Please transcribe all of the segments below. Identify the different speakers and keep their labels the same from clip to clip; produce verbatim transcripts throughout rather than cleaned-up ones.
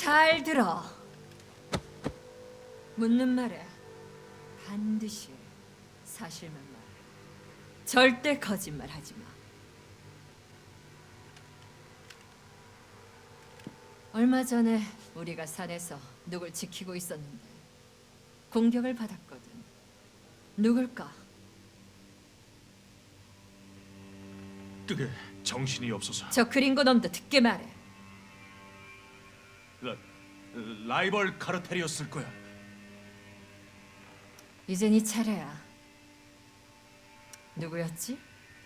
Speaker 1: 잘 들어. 묻는 말에 반드시 사실만 말해. 절대 거짓말 하지 마. 얼마 전에 우리가 산에서 누굴 지키고 있었는데 공격을 받았거든. 누굴까?
Speaker 2: 그게 정신이 없어서.
Speaker 1: 저 그린고 놈도 듣게 말해.
Speaker 2: 라, 라이벌 카르텔이었을 거야.
Speaker 1: 이제 네 차례야. 누구였지?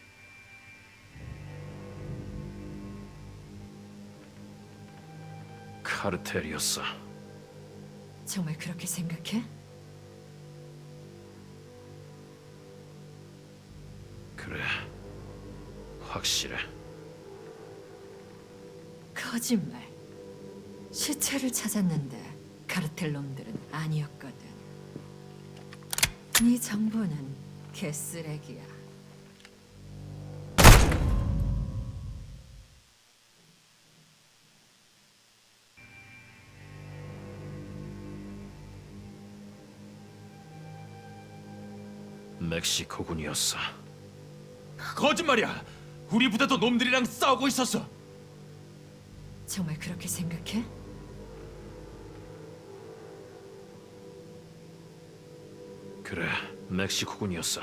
Speaker 3: 카르텔이었어.
Speaker 1: 정말 그렇게 생각해?
Speaker 3: 그래, 확실해.
Speaker 1: 거짓말. 시체를 찾았는데 카르텔 놈들은 아니었거든. 네 정보는 개쓰레기야.
Speaker 3: 멕시코군이었어.
Speaker 2: 거짓말이야. 우리 부대도 놈들이랑 싸우고 있었어.
Speaker 1: 정말 그렇게 생각해?
Speaker 3: 그래, 멕시코군이었어.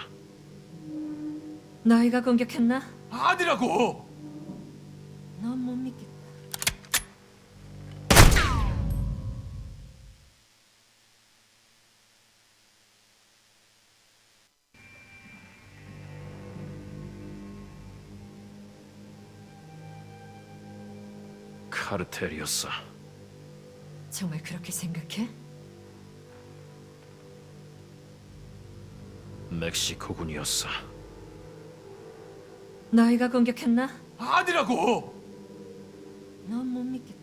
Speaker 1: 너희가 공격했나?
Speaker 2: 아니라고.
Speaker 1: 넌 못 믿겠다.
Speaker 3: 카르텔이었어.
Speaker 1: 정말 그렇게 생각해?
Speaker 3: 멕시코군이었어.
Speaker 1: 너희가 공격했나?
Speaker 2: 아니라고.
Speaker 1: 넌 못 믿겠다.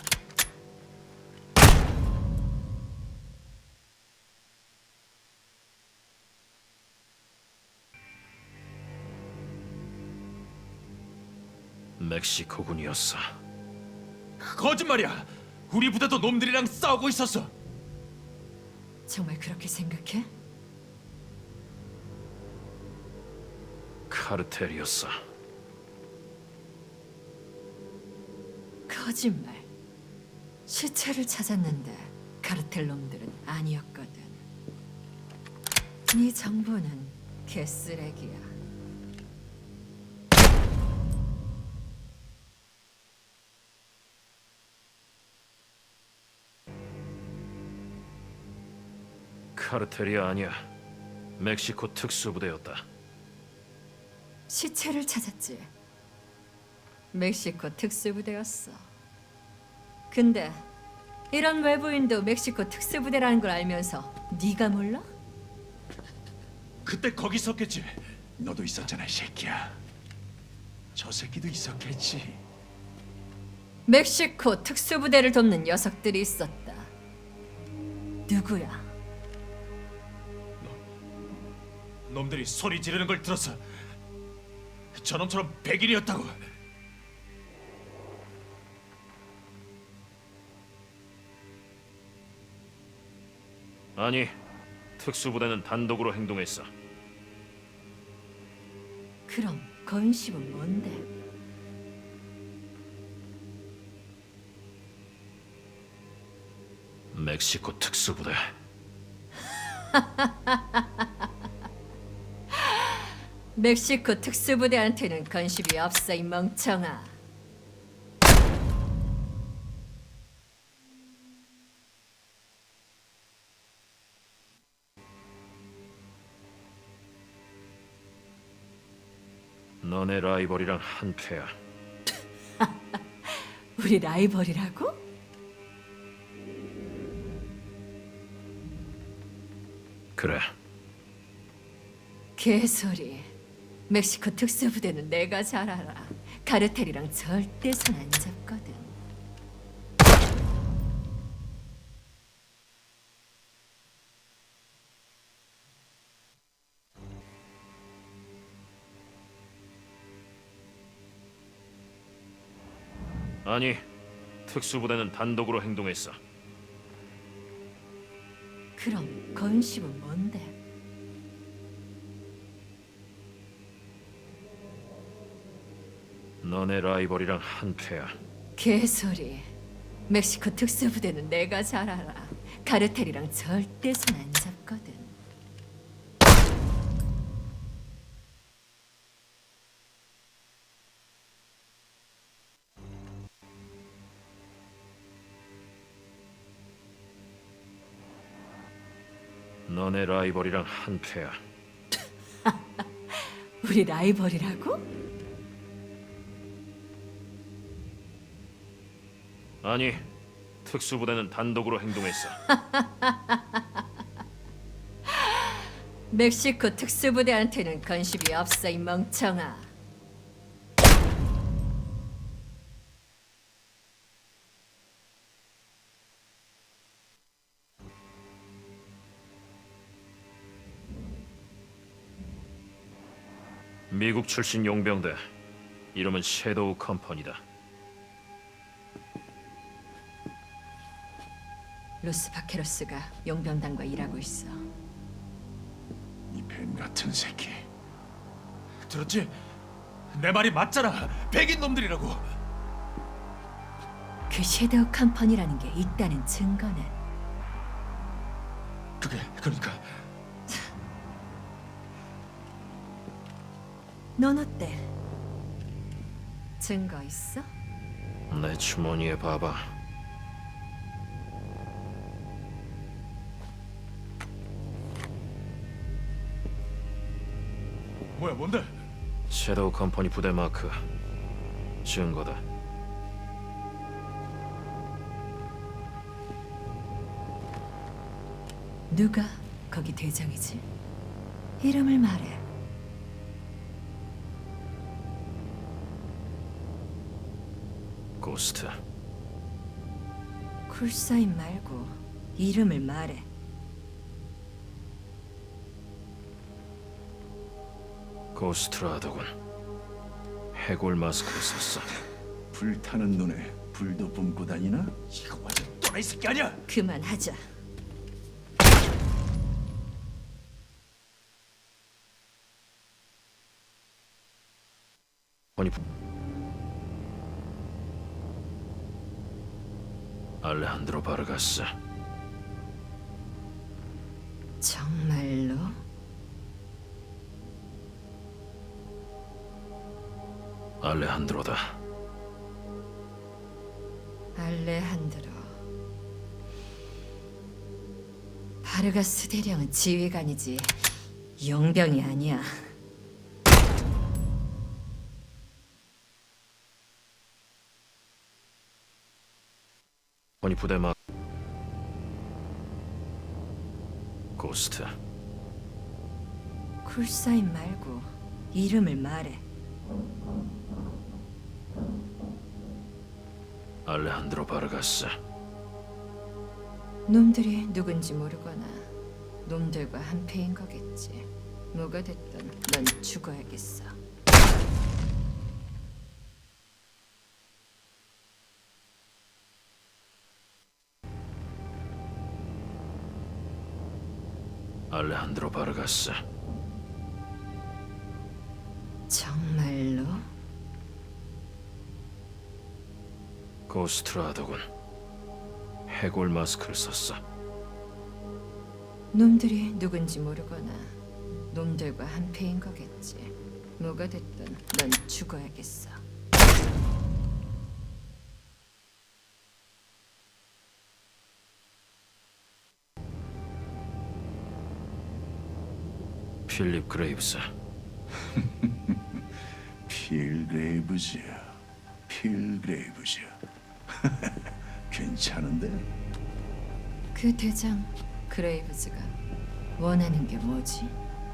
Speaker 3: 멕시코군이었어.
Speaker 2: 거짓말이야. 우리 부대도 놈들이랑 싸우고 있었어.
Speaker 1: 정말 그렇게 생각해?
Speaker 3: 카르텔이었어.
Speaker 1: 거짓말. 시체를 찾았는데 카르텔 놈들은 아니었거든. 네 정보는 개쓰레기야.
Speaker 3: 카르텔이 아니야. 멕시코 특수부대였다.
Speaker 1: 시체를 찾았지. 멕시코 특수부대였어. 근데 이런 외부인도 멕시코 특수부대라는 걸 알면서 네가 몰라?
Speaker 2: 그때 거기 있었겠지. 너도 있었잖아, 이 새끼야. 저 새끼도 있었겠지.
Speaker 1: 멕시코 특수부대를 돕는 녀석들이 있었다. 누구야?
Speaker 2: 놈들이 소리 지르는 걸 들었어. 저놈처럼 백인이었다고.
Speaker 3: 아니, 특수부대는 단독으로 행동했어.
Speaker 1: 그럼 건식은 뭔데?
Speaker 3: 멕시코 특수부대.
Speaker 1: 멕시코 특수부대한테는 건식이 없어, 이 멍청아.
Speaker 3: 너네 라이벌이랑 한패야.
Speaker 1: 우리 라이벌이라고?
Speaker 3: 그래,
Speaker 1: 개소리. 멕시코 특수부대는 내가 잘 알아. 카르텔이랑 절대 손 안 잡거든.
Speaker 3: 아니, 특수부대는 단독으로 행동했어.
Speaker 1: 그럼 건심은 뭔데?
Speaker 3: 너네 라이벌이랑 한패야.
Speaker 1: 개소리. 멕시코 특수부대는 내가 잘 알아. 카르텔이랑 절대 손 안 잡거든.
Speaker 3: 너네 라이벌이랑 한패야.
Speaker 1: 우리 라이벌이라고?
Speaker 3: 아니, 특수부대는 단독으로 행동했어.
Speaker 1: 멕시코 특수부대한테는 건심이 없어, 이 멍청아.
Speaker 3: 미국 출신 용병대. 이름은 섀도우 컴퍼니다.
Speaker 1: 로스 바케로스가 용병단과 일하고 있어.
Speaker 2: 이 뱀 같은 새끼.
Speaker 4: 들었지? 내 말이 맞잖아. 백인 놈들이라고.
Speaker 1: 그 섀도우 컴퍼니라는 게 있다는 증거는?
Speaker 4: 그게 그러니까
Speaker 1: 넌 어때? 증거 있어?
Speaker 3: 내 주머니에 봐봐.
Speaker 4: 뭐야 뭔데?
Speaker 3: 섀도우 컴퍼니 부대 마크. 증거다.
Speaker 1: 누가 거기 대장이지? 이름을 말해.
Speaker 3: 고스트.
Speaker 1: 쿨사인 말고 이름을 말해.
Speaker 3: 고스트라더군. 해골 마스크를 썼어.
Speaker 2: 불타는 눈에 불도 뿜고 다니나?
Speaker 4: 이거 완전 또라이 새끼 아니야?
Speaker 1: 그만하자.
Speaker 3: 컴퍼니 부... 알레한드로 바르가스.
Speaker 1: 정말로?
Speaker 3: 알레한드로다.
Speaker 1: 알레한드로. 바르가스 대령은 지휘관이지 용병이 아니야.
Speaker 3: 컴퍼니 부대 마 고스트.
Speaker 1: 쿨사인 말고 이름을 말해.
Speaker 3: 알레한드로 바르가스.
Speaker 1: 놈들이 누군지 모르거나 놈들과 한패인 거겠지. 뭐가 됐든 넌 죽어야겠어.
Speaker 3: 알레한드로 바르가스.
Speaker 1: 정말로?
Speaker 3: 고스트라더군. 해골 마스크를 썼어.
Speaker 1: 놈들이 누군지 모르거나 놈들과 한패인 거겠지. 뭐가 됐든 넌 죽어야겠어.
Speaker 3: 필립 그레이브스.
Speaker 2: 필그레이브즈. 필그레이브즈. 괜찮은데?
Speaker 1: 그 대장 그레이브즈가 원하는 게 뭐지?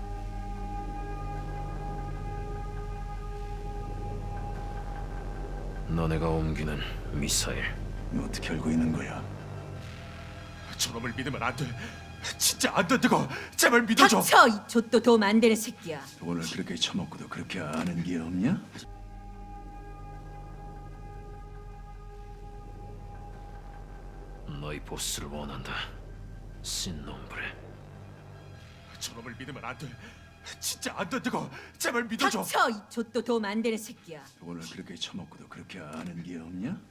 Speaker 3: 너네가 옮기는 미사일.
Speaker 2: 어떻게 알고 있는 거야?
Speaker 4: 저놈을 믿으면 안 돼. 진짜 안 된다고. 제발 믿어줘.
Speaker 1: 닥쳐! 이 좆도 도움 안 되는 새끼야.
Speaker 2: 돈을 그렇게 처먹고도 그렇게 아는 게 없냐?
Speaker 3: 너희 보스를 원한다. 신놈브레.
Speaker 4: 저놈을 믿으면 안 돼. 진짜 안 된다고. 제발 믿어줘.
Speaker 1: 닥쳐! 이 좆도 도움 안 되는 새끼야.
Speaker 2: 오늘 그렇게 처먹고도 그렇게 아는 게 없냐?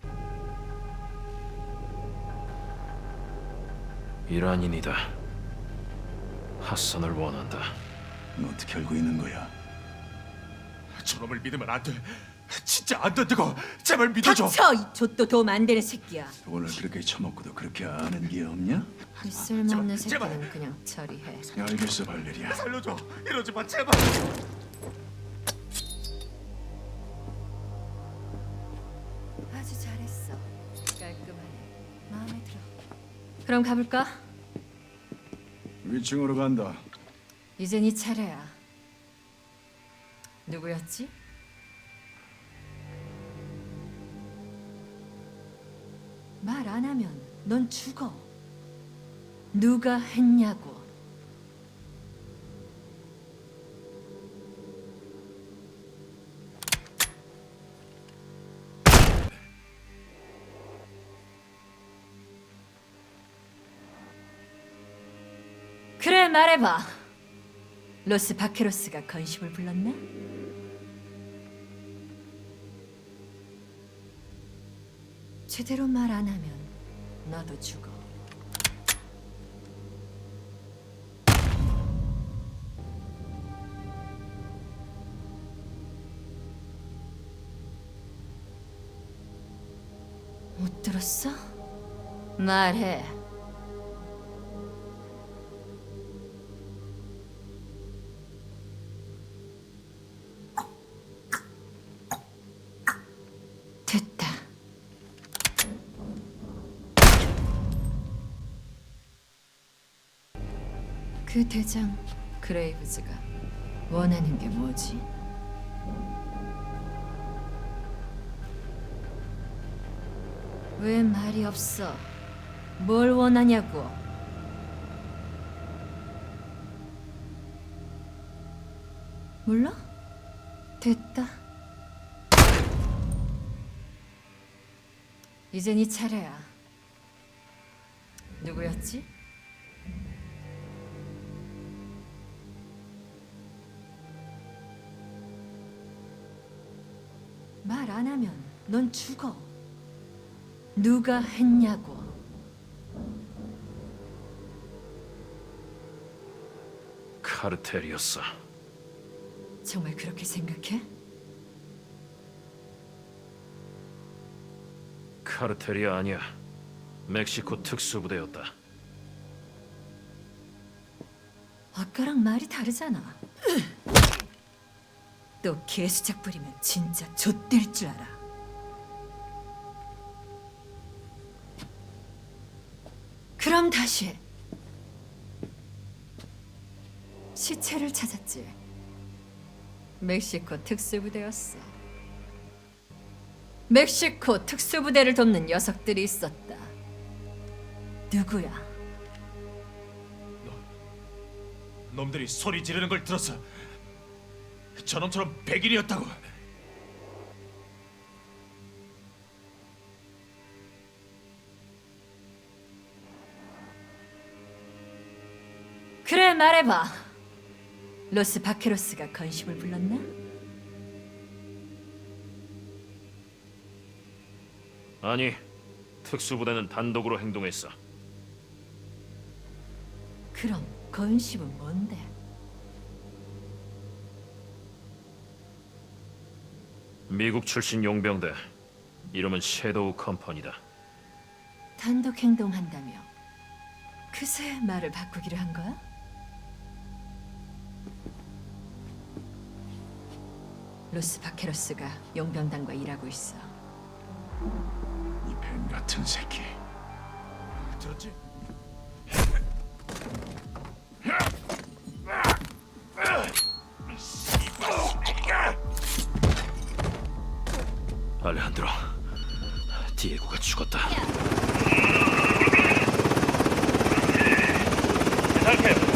Speaker 3: 이란인이다. 핫산을 원한다.
Speaker 2: 너 어떻게 알고 있는 거야?
Speaker 4: 저놈을 믿으면 안 돼. 진짜 안 된다고. 제발 믿어줘.
Speaker 1: 닥쳐! 이 좆도 도움 안 되는 새끼야.
Speaker 2: 오늘 그렇게 처먹고도 그렇게 아는 게 없냐?
Speaker 1: 이 쓸모없는
Speaker 4: 제발,
Speaker 1: 새끼는 그냥 처리해.
Speaker 2: 야, 알겠어, 발레리아.
Speaker 4: 살려줘. 이러지 마 제발.
Speaker 1: 아주 잘했어. 깔끔하네. 마음에 들어. 그럼 가볼까?
Speaker 2: 위층으로 간다.
Speaker 1: 이제 네 차례야. 누구였지? 말 안 하면 넌 죽어. 누가 했냐고. 그래, 말해봐. 로스 바케로스가 건심을 불렀나? 제대로 말 안 하면 너도 죽어. 못 들었어? 말해. 됐다. 그 대장 그레이브즈가 원하는 게 뭐지? 왜 말이 없어? 뭘 원하냐고? 몰라? 됐다. 이제 네 차례야. 누구였지? 말 안 하면 넌 죽어. 누가 했냐고.
Speaker 3: 카르텔이었어.
Speaker 1: 정말 그렇게 생각해?
Speaker 3: 카르텔이 아니야. 멕시코 특수부대였다.
Speaker 1: 아까랑 말이 다르잖아. 또 개수작 부리면 진짜 좆될 줄 알아. 그럼 다시 해. 시체를 찾았지. 멕시코 특수부대였어. 멕시코 특수부대를 돕는 녀석들이 있었다. 누구야?
Speaker 4: 놈들이 소리 지르는 걸 들었어. 저놈처럼 백일이었다고.
Speaker 1: 그래, 말해봐. 로스 바케로스가 건심을 불렀나?
Speaker 3: 아니, 특수부대는 단독으로 행동했어.
Speaker 1: 그럼 건심은 뭔데?
Speaker 3: 미국 출신 용병대. 이름은 섀도우 컴퍼니다.
Speaker 1: 단독 행동한다며 그새 말을 바꾸기로 한 거야? 로스 바케로스가 용병단과 일하고 있어.
Speaker 2: 이 뱀 같은 새끼.
Speaker 4: 들었지?
Speaker 3: 알레한드로, 디에고가 죽었다.
Speaker 4: 탈퇴.